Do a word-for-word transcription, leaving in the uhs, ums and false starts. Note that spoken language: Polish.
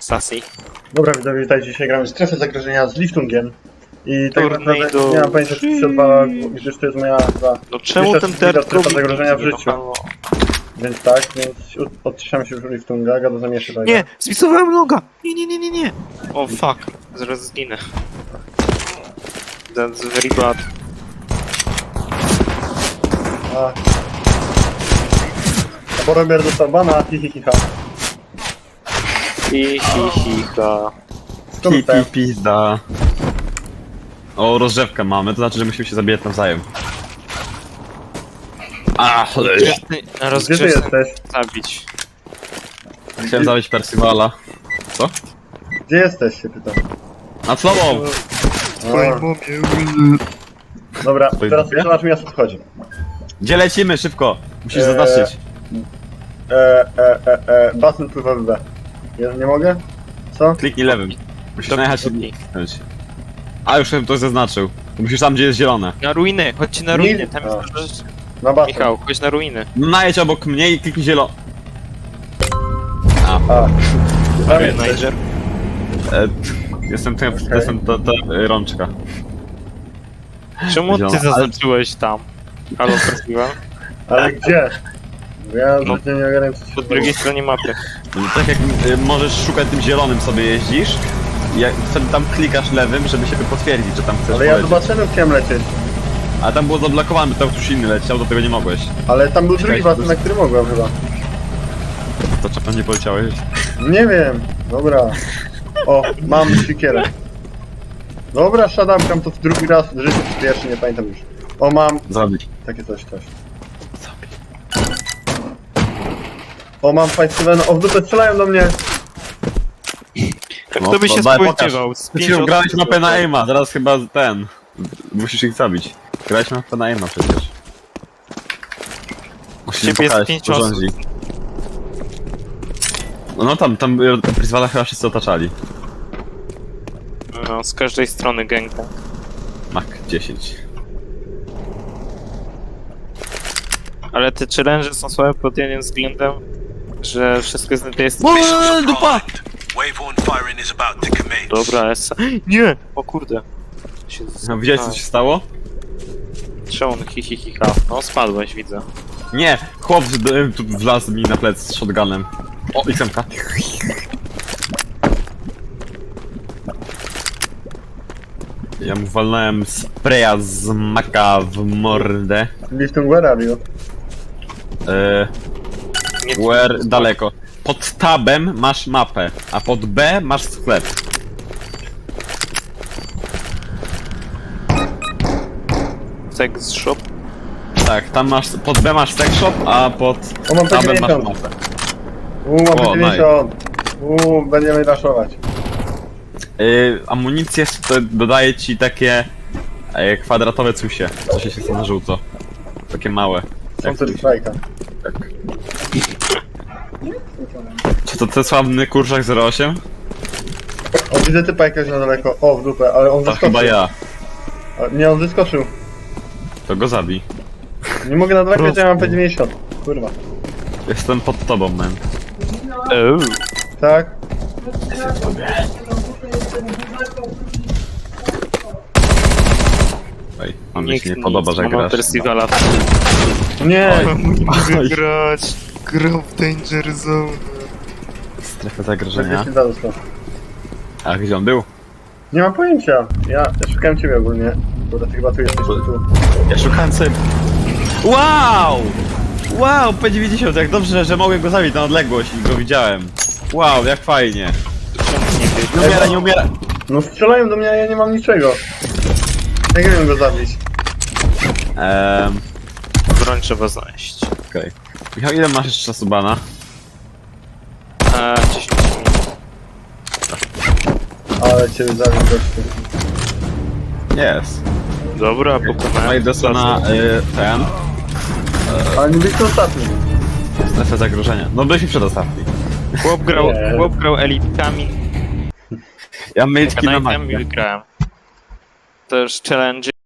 Sassy. Dobra, widzowie, witajcie. Dzisiaj gramy strefę zagrożenia z Liftungiem. I tak Turniej naprawdę do- nie mam pojęcia, czy to się odwala, gdyż to jest moja chyba No czemu pierwsza ten druga ter strefa zagrożenia w życiu. halo. Więc tak, więc odciszamy się już Liftunga, gada zamieszy tak. Nie, spisowałem loga! Nie, nie, nie, nie, nie! O fuck, zaraz zginę. That's very bad. A. A Boromir dostał bana, hi hi hi ha. Hi, hi, hi, ha. Skąd dostałem? Pi, pizda. O, rozrzewkę mamy, to znaczy, że musimy się zabijać nawzajem. A, cholera. Gdzie ty Gdzie ty rozgrzewkę jesteś? zabić? Chciałem zabić Percivala. Co? Gdzie jesteś, się pytam. Na tobą! A. Dobra, Twoje teraz dupie? zobacz mi o co chodzi. Gdzie lecimy? Szybko! Musisz Eee. zaznaczyć. E, e, e, e, basen pływa w B. Ja nie mogę? Co? Kliknij lewym. Musisz Dobra, najechać i kliknij. kliknąć. A, już ktoś zaznaczył. Musisz tam, gdzie jest zielone. Na ruiny, chodźcie na Nie- ruiny, tam jest A. dużo rzeczy. Na basen. Michał, chodź na ruiny. No, najedź obok mnie i kliknij zielone. A. Tam Okej, jesteś. Niger. E, jestem ten, Okej. jestem ta, ta e, rączka. Czemu ty Zielona. zaznaczyłeś tam? Halo, Percival? Ale gdzie? Bo ja No. zbytnio nie ogarniam, co się Po drugiej stronie mapy. No, tak jak e, możesz szukać tym zielonym sobie jeździsz, i jak wtedy tam klikasz lewym, żeby się potwierdzić, że tam chcesz Ale ja polecieć. zobaczyłem, chciałem lecieć. A tam było zablokowane, bo tam ktoś inny leciał, do tego nie mogłeś. Ale tam był drugi Czekaj, basen, to- na który mogłem chyba. To czemu nie poleciałeś? Nie wiem. Dobra. O, mam siekierę. Dobra, shadowkam to w drugi raz w życiu, czy pierwszy, nie pamiętam już. O, mam Zabić. takie coś, coś. O, mam Fight Seven. O, w dupę strzelają do mnie. Tak No, to by się daj, spodziewał. Ty się grałeś mapę na aima, teraz chyba ten. Musisz ich zabić. Grałeś mapę na aima przecież. Musisz Ciebie jest pokazać, pięć co osób. rządzi. No, no tam, tam e, Percivala chyba wszyscy otaczali. No, z każdej strony gęka. Mak dziesięć. Ale te challenge są słabe pod jednym względem, że wszystko jest na tej jest... O, dupa! Waveborne firing is about to commence. Dobra, essa. Nie! O kurde. Się No, widziałeś co się stało? Czemu on hi hi hi ha? No spadłeś, widzę. Nie! Chłop w- tu wlazł mi na plec z shotgunem. O, X M K. Ja mu walnąłem spraya z maka w mordę. Liftung, where are you? Eee, Nie, where daleko. Pod tabem masz mapę, a pod B masz sklep. Sex shop. Tak, tam masz, pod B masz sex shop, a pod O, mam tabem masz dziewięćdziesiąt. mapę. Uuu, mam O, dziewięćdziesiąt. Uuu, będziemy raszować. Yy, amunicję to dodaje ci takie e, kwadratowe cusie, co się świecą na żółto. Takie małe. Counter Strike'a. Tak. Czy to ten sławny kurczak zero osiem? O, widzę typa jakiegoś na daleko. O, w dupę, ale on To zeskoczył. chyba ja. A, nie, on zeskoczył. To go zabij. Nie mogę nadwekać, ja mam P dziewięćdziesiąt. Kurwa. Jestem pod tobą, man. Oh. Tak? Ej, on mi się nie podoba, że grasz. Percivala. Nie! Oj. Oj. grać. Grał w Danger Zone. Strefę zagrożenia. Żebyś nie dostał. A gdzie on był? Nie mam pojęcia. Ja, ja szukałem ciebie ogólnie. Bo ty chyba tu jesteś, tu. Ja szukałem sobie... Wow! Wow, P dziewięćdziesiąt, jak dobrze, że mogłem go zabić na odległość i go widziałem. Wow, jak fajnie. Nie umiera, nie umiera. No strzelają do mnie, a ja nie mam niczego. Jak nie wiem go zabić? Ehm, Broń trzeba znaleźć. okej. Michał, ile masz jeszcze czasu bana? Eee, dziesięć minut. Ale cię zabił gościu. Jest. Dobra, No pokonałem. i doszło na y, ten, Ale nie byliście ostatni. strefę zagrożenia. No byliśmy przedostatni. Chłop grał, Nie. chłop grał elitkami, Ja myjtki na Knight'em magę. i wygrałem. Też challenge